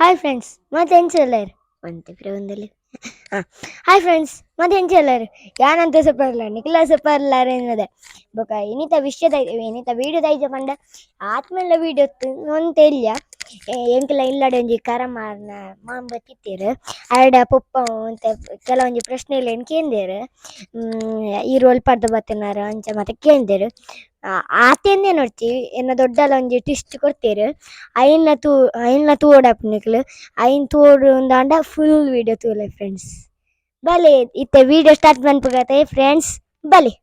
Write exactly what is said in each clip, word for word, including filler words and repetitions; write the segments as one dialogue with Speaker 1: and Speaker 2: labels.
Speaker 1: Hi friends ಮತ್ತೆ ಎಂಚಲ್ಲರು ಒಂತೆ ಪ್ರವಂದಲ್ಲಿ ಹಾಂ ಹಾಯ್ ಫ್ರೆಂಡ್ಸ್ ಮತ್ತೆ ಎಂಚಲ್ಲರು ಯಾನಂತ ಸೊಪ್ಪರ್ಲ ನಿಖಿಲ ಸೊಪ್ಪರ್ಲಾರ ಎನ್ನದೆ ಬೊಕ ಇನಿತ ವಿಷಯದ ಇನಿತ ವೀಡಿಯೋದ ಐಜ ಪಂಡ ಆತ್ಮೆಲ್ಲ ವೀಡಿಯೋ ಒಂತ ಇಲ್ಲ ಎಂಕಲ ಇಲ್ಲಡೆ ಒಂಜಿ ಕರ ಮಾರ್ನ ಮಾಂಬ ತಿತ್ತೇರು ಅರಡ ಪೊಪ್ಪ ಅಂತ ಕೆಲವೊಂಜಿ ಪ್ರಶ್ನೆಗಳು ಏನು ಕೇಂದೇರು ಈ ರೋಲ್ ಪಡ್ದು ಬತ್ತನಾರ ಅಂಚ ಮತ್ತೆ ಕೇಂದೇರು ಆತೇಂದೇ ನೋಡ್ತಿ ಎನ್ನ ದೊಡ್ಡಲ ಒಂಜಿ ಟಿಸ್ಟ್ ಕೊಡ್ತೇರು ಐನ್ನ ತೂ ಐನ್ನ ತೂವೋಡಾಪು ನಿಕ್ಲು ಐನ್ ತೂವೋಡು ಉಂದಾಂಡ ಫುಲ್ ವೀಡಿಯೋ ತೂಲೆ ಫ್ರೆಂಡ್ಸ್ ಬಲೆ ಇತ್ತೆ ವೀಡಿಯೋ ಸ್ಟಾರ್ಟ್ ಮನ್ಪುಗತ್ತೆ ಫ್ರೆಂಡ್ಸ್ ಬಲೆ.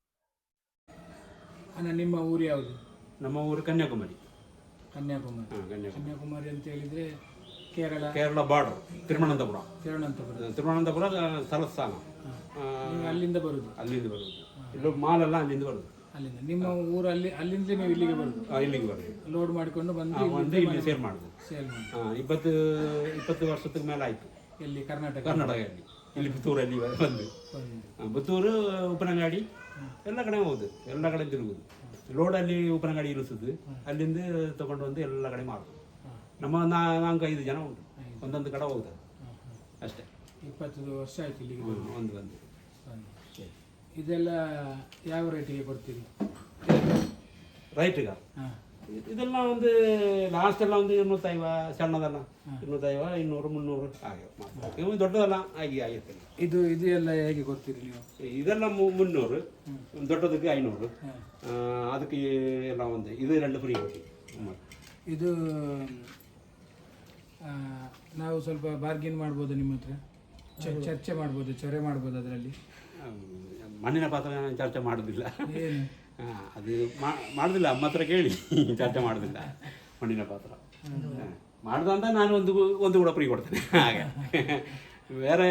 Speaker 2: ಅಣ್ಣ ನಿಮ್ಮ ಊರು ಯಾವುದು?
Speaker 3: ನಮ್ಮ ಊರು ಕನ್ಯಾಕುಮಾರಿ.
Speaker 2: ಕನ್ಯಾಕುಮಾರಿ.
Speaker 3: ಹಾಂ ಕನ್ಯಾಕುಮಾರಿ.
Speaker 2: ಕನ್ಯಾಕುಮಾರಿ ಅಂತ ಹೇಳಿದ್ರೆ ಕೇರಳ
Speaker 3: ಕೇರಳ ಬಾರ್ಡರ್ ತಿರುವನಂತಪುರ.
Speaker 2: ತಿರುವನಂತಪುರ
Speaker 3: ತಿರುವನಂತಪುರ ಸ್ಥಳಸ್ಥಾನ.
Speaker 2: ನೀವು ಅಲ್ಲಿಂದ ಬರುದು?
Speaker 3: ಅಲ್ಲಿಂದ ಬರುದು. ಇಲ್ಲೂ ಮಾಲೆಲ್ಲ ಅಲ್ಲಿಂದ ಬರುದು.
Speaker 2: ಅಲ್ಲಿಂದ ನಿಮ್ಮ ಊರು ಅಲ್ಲಿ ಅಲ್ಲಿಂದ ನೀವು ಇಲ್ಲಿಗೆ ಬರುದು?
Speaker 3: ಇಲ್ಲಿಗೆ ಬರುದು.
Speaker 2: ಲೋಡ್ ಮಾಡಿಕೊಂಡು ಬಂದು
Speaker 3: ಬಂದು ಇಲ್ಲಿ ಸೇಲ್ ಮಾಡುದು.
Speaker 2: ಸೇಲ್ ಮಾಡಿ.
Speaker 3: ಹಾಂ ಇಪ್ಪತ್ತು ಇಪ್ಪತ್ತು ವರ್ಷದ ಮೇಲೆ ಆಯಿತು.
Speaker 2: ಎಲ್ಲಿ? ಕರ್ನಾಟಕ.
Speaker 3: ಕರ್ನಾಟಕದಲ್ಲಿ ಇಲ್ಲಿ ಪುತ್ತೂರಲ್ಲಿ ಬಂದು ಪುತ್ತೂರು ಉಪನಂಗಾಡಿ ಎಲ್ಲ ಕಡೆ ಹೋಗುದು, ಎಲ್ಲ ಕಡೆ ತಿರುಗುದು. ಲೋಡಲ್ಲಿ ಉಪನಂಗಾಡಿ ಇರಿಸುದು, ಅಲ್ಲಿಂದ ತಗೊಂಡು ಬಂದು ಎಲ್ಲ ಕಡೆ ಮಾರುದು. ನಮ್ಮ ನಾಲ್ಕು ಐದು ಜನ ಉಂಟು, ಒಂದೊಂದು ಕಡೆ ಹೋಗುದು ಅಷ್ಟೇ.
Speaker 2: ಇಪ್ಪತ್ತು ವರ್ಷ ಆಯ್ತು ಇಲ್ಲಿಗೆ
Speaker 3: ಒಂದು ಬಂದು.
Speaker 2: ಇದೆಲ್ಲ ಯಾವ ರೇಟಿಗೆ ಕೊಡ್ತೀರಿ?
Speaker 3: ರೈಟ್ಗ
Speaker 2: ಹಾಂ
Speaker 3: ಇದೆಲ್ಲ ಒಂದು ಲಾಸ್ಟ್ ಎಲ್ಲ ಒಂದು ಇನ್ನೂತ್ತೈವ, ಸಣ್ಣದಲ್ಲ ಇನ್ನೂತ್ತೈವ, ಇನ್ನೂರು, ಮುನ್ನೂರು ಹಾಗೆ ಇವು ದೊಡ್ಡದಲ್ಲ ಹಾಗೆ ಆಗಿರ್ತದೆ.
Speaker 2: ಇದು ಇದು ಎಲ್ಲ ಹೇಗೆ ಕೊಡ್ತೀರಿ ನೀವು?
Speaker 3: ಇದೆಲ್ಲ ಮುನ್ನೂರು, ದೊಡ್ಡದಕ್ಕೆ ಐನೂರು, ಅದಕ್ಕೆ ಎಲ್ಲ ಒಂದು ಇದು ಎರಡು ಫ್ರೀ ಕೊಡ್ತೀವಿ.
Speaker 2: ಇದು ನಾವು ಸ್ವಲ್ಪ ಬಾರ್ಗೇನ್ ಮಾಡ್ಬೋದು ನಿಮ್ಮ ಹತ್ರ, ಚರ್ಚೆ ಮಾಡ್ಬೋದು, ಚೊರೆ ಮಾಡ್ಬೋದು ಅದರಲ್ಲಿ.
Speaker 3: ಮಣ್ಣಿನ ಪಾತ್ರ ಚರ್ಚೆ ಮಾಡೋದಿಲ್ಲ,
Speaker 2: ಏನು
Speaker 3: ಅದು ಮಾಡೋದಿಲ್ಲ. ಅಮ್ಮ ಹತ್ರ ಕೇಳಿ ಚರ್ಚೆ ಮಾಡೋದಿಲ್ಲ ಮಣ್ಣಿನ ಪಾತ್ರ ಮಾಡ್ದ ಅಂತ ನಾನು ಒಂದು ಒಂದು ಕೂಡ ಫ್ರೀ ಕೊಡ್ತೇನೆ ಹಾಗೆ. ಬೇರೆ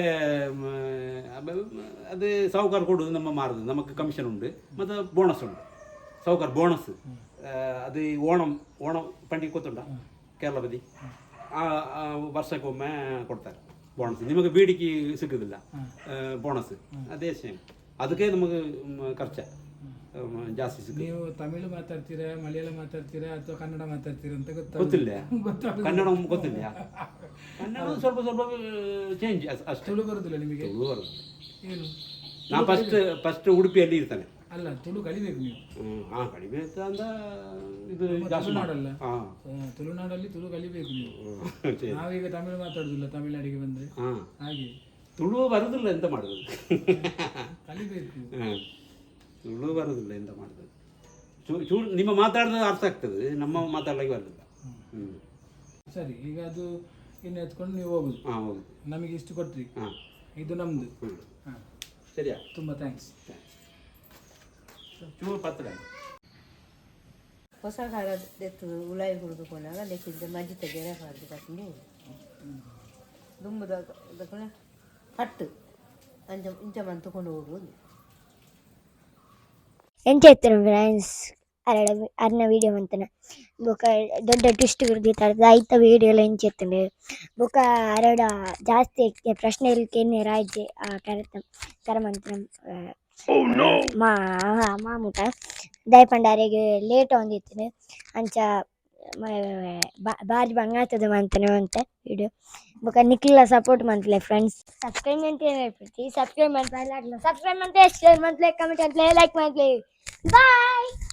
Speaker 3: ಅದು ಸಾಹುಕಾರ ಕೊಡೋದು ನಮ್ಮ ಮಾರೋದು, ನಮಗೆ ಕಮಿಷನ್ ಉಂಟು ಮತ್ತು ಬೋನಸ್ ಉಂಟು. ಸಾಹುಕಾರ ಬೋನಸ್ ಅದು ಓಣಂ ಓಣಂ ಪಂಡಿಗೆ ಗೊತ್ತುಂಟ ಕೇರಳ ಬದಿ, ಆ ವರ್ಷಕ್ಕೊಮ್ಮೆ ಕೊಡ್ತಾರೆ ಬೋನಸ್. ನಿಮಗೆ ಬೇಡಿಕೆ ಸಿಗೋದಿಲ್ಲ ಬೋನಸ್, ಅದೇ ಸೇಮ್. ಅದಕ್ಕೆ ನಮಗೆ ಖರ್ಚ ಜಾಸ್ತಿ ಸಿಗುತ್ತೆ.
Speaker 2: ನೀವು ತಮಿಳು ಮಾತಾಡ್ತೀರಾ, ಮಲಯಾಳ ಮಾತಾಡ್ತೀರಾ ಅಥವಾ ಕನ್ನಡ ಮಾತಾಡ್ತೀರಾ ಅಂತ
Speaker 3: ಗೊತ್ತಿಲ್ಲ. ಕನ್ನಡ ಗೊತ್ತಿಲ್ಲ, ಕನ್ನಡ ಸ್ವಲ್ಪ ಸ್ವಲ್ಪ ಚೇಂಜ್ ಅಷ್ಟೇ.
Speaker 2: ತುಳು ಬರೋದಿಲ್ಲ ನಿಮಗೆ?
Speaker 3: ತುಳು ಬರೋದು.
Speaker 2: ಏನು?
Speaker 3: ನಾ ಫಸ್ಟ್ ಫಸ್ಟ್ ಉಡುಪಿಯಲ್ಲಿ ಇರ್ತಾನೆ.
Speaker 2: ಅಲ್ಲ, ತುಳು ಕಲಿಬೇಕು ನೀವು.
Speaker 3: ಹಾಂ ಕಡಿಮೆ ಅಂತ ಅಂದ ಇದು ಜಾಸ್ತಿ
Speaker 2: ತುಳುನಾಡಲ್ಲ?
Speaker 3: ಹಾಂ
Speaker 2: ತುಳುನಾಡಲ್ಲಿ ತುಳು ಕಲಿಬೇಕು ನೀವು. ನಾವೀಗ ತಮಿಳು ಮಾತಾಡೋದಿಲ್ಲ, ತಮಿಳ್ನಾಡಿಗೆ ಬಂದರೆ
Speaker 3: ಹಾಂ
Speaker 2: ಹಾಗೆ
Speaker 3: ತುಳು ಬರೋದಿಲ್ಲ, ಎಂತ ಮಾಡೋದು?
Speaker 2: ಕಲಿಬೇಕು.
Speaker 3: ಹಾಂ ತುಳು ಬರೋದಿಲ್ಲ, ಎಂತ ಮಾಡೋದು? ಚೂ ಚೂ ನಿಮ್ಮ ಮಾತಾಡಿದ ಅರ್ಥ ಆಗ್ತದೆ, ನಮ್ಮ ಮಾತಾಡಲಿಕ್ಕೆ ಬರೋದಿಲ್ಲ. ಹ್ಞೂ
Speaker 2: ಸರಿ, ಈಗ ಅದು ಇನ್ನು ಎತ್ಕೊಂಡು ನೀವು ಹೋಗುದು.
Speaker 3: ಹಾಂ ಹೋಗುದು.
Speaker 2: ನಮಗೆ ಇಷ್ಟು ಕೊಟ್ರಿ,
Speaker 3: ಹಾಂ
Speaker 2: ಇದು ನಮ್ಮದು.
Speaker 3: ಹ್ಞೂ
Speaker 2: ಹಾಂ
Speaker 3: ಸರಿಯಾ?
Speaker 2: ತುಂಬ ಥ್ಯಾಂಕ್ಸ್.
Speaker 3: ಚೂರು ಪತ್ರ
Speaker 4: ಹೊಸ ಕಾಲದ ಎತ್ತು ಉಲಾಯಿ ಹುರಿದುಕೊಂಡಾಗ ಲೆಕ್ಕಿದ್ದ ಮಜ್ಜಿ ತೆಗೆರೆ ಹಾಕಿ ಕಟ್ಟಿ ದುಂಬದ ಕಟ್ಟು ಅಂಚ ಇಂಚ ಮಂತ್ ತಗೊಂಡು ಹೋಗುವುದು.
Speaker 1: ಎಂಚೆತ್ತರು ಫ್ರೆಂಡ್ಸ್ ಅರಡ ಅರ್ನ ವೀಡಿಯೋ ಮಂತನ ಬೊಕ ದೊಡ್ಡ ಟ್ವಿಸ್ಟ್ ಗುರ್ದಿತ್ತ ಐತ ವೀಡಿಯೋ ಎಲ್ಲ ಎಂಚೆತ್ತಂಡು ಬೊಕ ಅರಡ ಜಾಸ್ತಿ ಪ್ರಶ್ನೆ ಇಲ್ಕೇನೆ ರಾಜ್ಯ ಆ ಕರೆತ ಕರಮಂತ್ರ ಮಾ ಮಾಮೂಟ ದಯಪಂಡಾರಿಗೆ ಲೇಟ್ ಒಂದಿತ್ತು ಅಂಚ ಬಾರಿ ಬಂಗಾತದ ಮಂತನೆ ಅಂತ ವಿಡಿಯೋ ಬೊಕ ನಿಖಿಲ ಸಪೋರ್ಟ್ ಮಂತ್ಲೆ ಫ್ರೆಂಡ್ಸ್. ಸಬ್ಸ್ಕ್ರೈಬ್ ಅಂತ ಹೇಳ್ಬಿಡ್ತಿ, ಸಬ್ಸ್ಕ್ರೈಬ್ ಮಾಡ್ತಾ ಸಬ್ಸ್ಕ್ರೈಬ್ ಮಾಡ್ತಾ ಶೇರ್ ಮಾಡ್ಲೆ ಕಮೆಂಟ್ ಮಾಡ್ಲೆ ಲೈಕ್ ಮಾಡ್ಲೆ ಬಾಯ್.